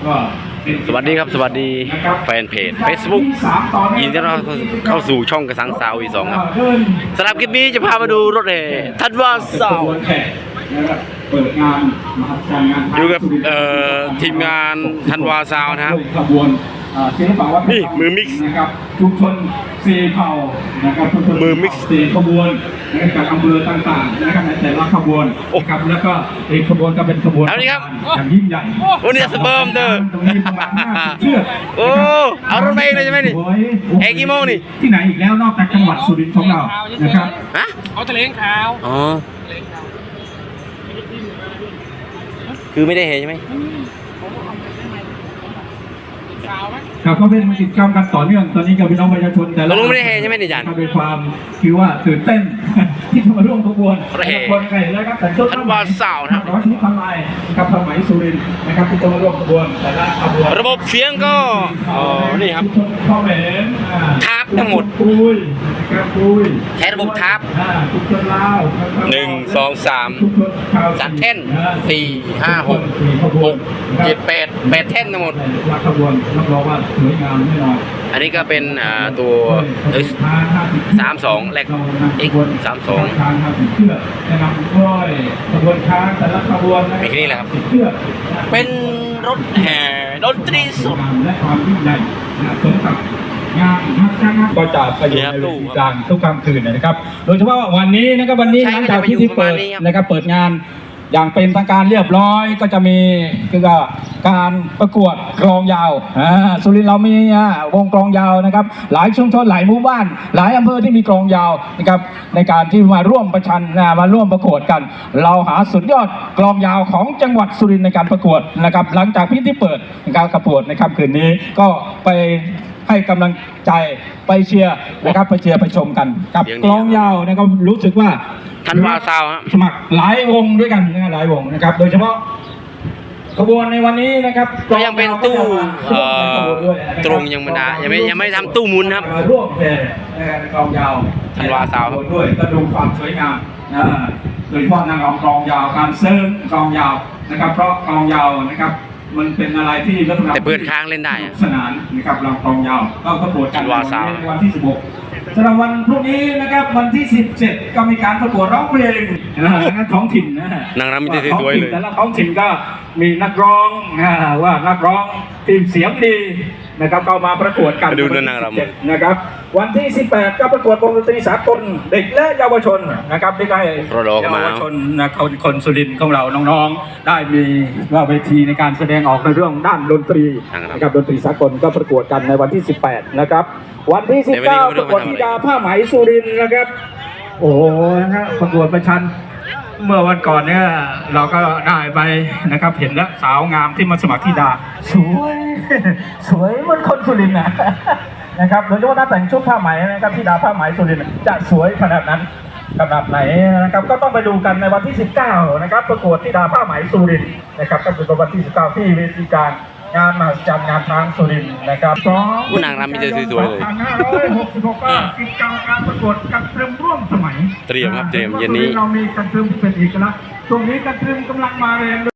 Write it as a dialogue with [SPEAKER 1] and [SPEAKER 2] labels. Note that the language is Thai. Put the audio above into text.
[SPEAKER 1] ก็
[SPEAKER 2] สวัสดีครับสวัสดีแฟนเพจ Facebook ยินดีต้อนรับเข้าสู่ช่องกระสังสาวอีสองครับสำหรับคลิปนี้จะพามาดูรถแห่ทัดว่าสาว
[SPEAKER 1] เปิดงานมหัศจรรย์งาน
[SPEAKER 2] อยู่กับทีมงานทันวาซาวนะครับ
[SPEAKER 1] ขบวนศิลปะวัฒนธรรม
[SPEAKER 2] นี่มือมิกซ์
[SPEAKER 1] นะครับชุมชนซีเผ่านะครับชุมชน
[SPEAKER 2] มือมิกซ์
[SPEAKER 1] ซีขบวนจากอำเภอต่างๆนะครับในแต่ละขบวนนะครับแล้วก็อีกขบวนก็เป็นขบวนอย่างยิ่งใหญ่
[SPEAKER 2] วันนี้สเปิร์มเด้อ
[SPEAKER 1] ตรงนี้ประมาณ50เชือก
[SPEAKER 2] โอ้เอารถมาเองเลยใช่ไหมนี่แห่กี่โมงนี่
[SPEAKER 1] ที่ไหนอีกแล้วนอกจากจังหวัดสุรินทร์ของเรานะครับ
[SPEAKER 2] ฮะ
[SPEAKER 3] เอาทะเลขาว
[SPEAKER 2] อ๋อคือไม่ได้เห็นใช่ไหม
[SPEAKER 1] ครับก็เป็นกิจกรรมกันต่อเนื่องตอนนี้กับพี่น้องประชาชนแต่
[SPEAKER 2] ละไม่ได้เห็นใช่ไหมนี่จัน
[SPEAKER 1] เป็นความคือว่าตื่นเต้นที่จะมาร่วมขบวนคนไก่แล้วครับแต่ชุด
[SPEAKER 2] ทันวาสาวนะครับ
[SPEAKER 1] ร้อยชุดทำลายกับสมัยสุรินทร์นะครับที่จะมาร่วมขบวนแต่ละขบวน
[SPEAKER 2] ระบบเสียงก็นี่ครับทับทั้งหมดใช้ระบบทับ1 2 3 3แท่น4 5 6 6 7 8แท่นทั้งหมด
[SPEAKER 1] ขบวนรับรองว่าสวยงามแน่นอน
[SPEAKER 2] อันนี้ก็เป็นตัว32แลก X32
[SPEAKER 1] นะครับร้อยขบวนช้างแต่ละขบวน
[SPEAKER 2] มีแค่นี้แหละครับเป็นรถแห่ดนตรีสด
[SPEAKER 1] และความยิ่งใหญ่สมกับงานก็จะไปอยู่ในเวทีกลางทุกค่ำคืนนะครับโดยเฉพาะวันนี้นะครับวันนี้หลังจากที่เปิดนะครับเปิดงานอย่างเป็นทางการเรียบร้อยก็จะมีคือการประกวดกลองยาวสุรินทร์เรามีวงกลองยาวนะครับหลายชุมชนหลายหมู่บ้านหลายอำเภอที่มีกลองยาวนะครับในการที่มาร่วมประชันมาร่วมประกวดกันเราหาสุดยอดกลองยาวของจังหวัดสุรินทร์ในการประกวดนะครับหลังจากพิธีเปิดการประกวดในค่ำคืนนี้ก็ไปให้กำลังใจไปเชียร์นะครับไปเชียร์ไปชมกันกับกลองยาวนะครับรู้สึกว่า
[SPEAKER 2] ทันวาซาว
[SPEAKER 1] สมัครหลายวงด้วยกันหลายวงนะครับโดยเฉพาะขบวนในวันนี้นะครับ
[SPEAKER 2] ก็ยังเป็นตู้ตรงยังไม่ได้ยังไม่ทำตู้มุนครับ
[SPEAKER 1] ร่วมเป็นกลองยาว
[SPEAKER 2] ทันวาซาว
[SPEAKER 1] ด้วยก็ดูความสวยงามโดยเฉพาะนางรำกลองยาวการเซิร์ฟกลองยาวนะครับเพราะกลองยาวนะครับมันเป็นอะไรที่ลักษณะ
[SPEAKER 2] แต่เปิดค้างเล่นได้
[SPEAKER 1] สนานนะครับรำกลองยาวก็ประกวดกันในวันที่16สำหรับวันพรุ่งนี้นะครับวันที่17ก็มีการประกวดร้องเพลงท้องถิ่น
[SPEAKER 2] นางรำมีแต่สวยเลย
[SPEAKER 1] แต่ละท้องถิ่นก็มีนักร้องว่านักร้องทีมเสียงดีนะครับก็มาประกวดกัน
[SPEAKER 2] ดูนางร
[SPEAKER 1] ำนะครับวันที่18ก็ประกวดวงดนตรีสากลเด็กและเยาวชนนะครับที่ได้เยาวชนคนสุรินทร์ของเราน้องๆได้มีเวทีในการแสดงออกในเรื่องด้านดนตรีนะครับดนตรีสากลก็ประกวดกันในวันที่18นะครับวันที่19ประกวดธิดาผ้าไหมสุรินทร์นะครับโอ้โหนะประกวดประชันเมื่อวันก่อนเนี่ยเราก็ได้ไปนะครับเห็นแล้วสาวงามที่มาสมัครธิดาสวยเหมือนคนสุรินทร์นะครับโดยเฉพาะถ้าแต่งชุดผ้าไหมนะครับธิดาผ้าไหมสุรินทร์จะสวยขนาดนั้นขนาดไหนนะครับก็ต้องไปดูกันในวันที่19นะครับประกวดธิดาผ้าไหมสุรินทร์นะครับก็คือวันที่19ที่เวทีการงานมหัศจรรย์งานช้างสุรินทร์นะครับ
[SPEAKER 2] ผู้นางรำมีแต่สวยๆเลย
[SPEAKER 1] 2566ก็กิจกรรมการประกวดกันตรึมร่วมสมัย
[SPEAKER 2] เตรียมครับเตรียมเย็นนี้
[SPEAKER 1] เรามีกันตรึมเป็นเอกลักษณ์ตรงนี้กันตรึมกำลังมาแรง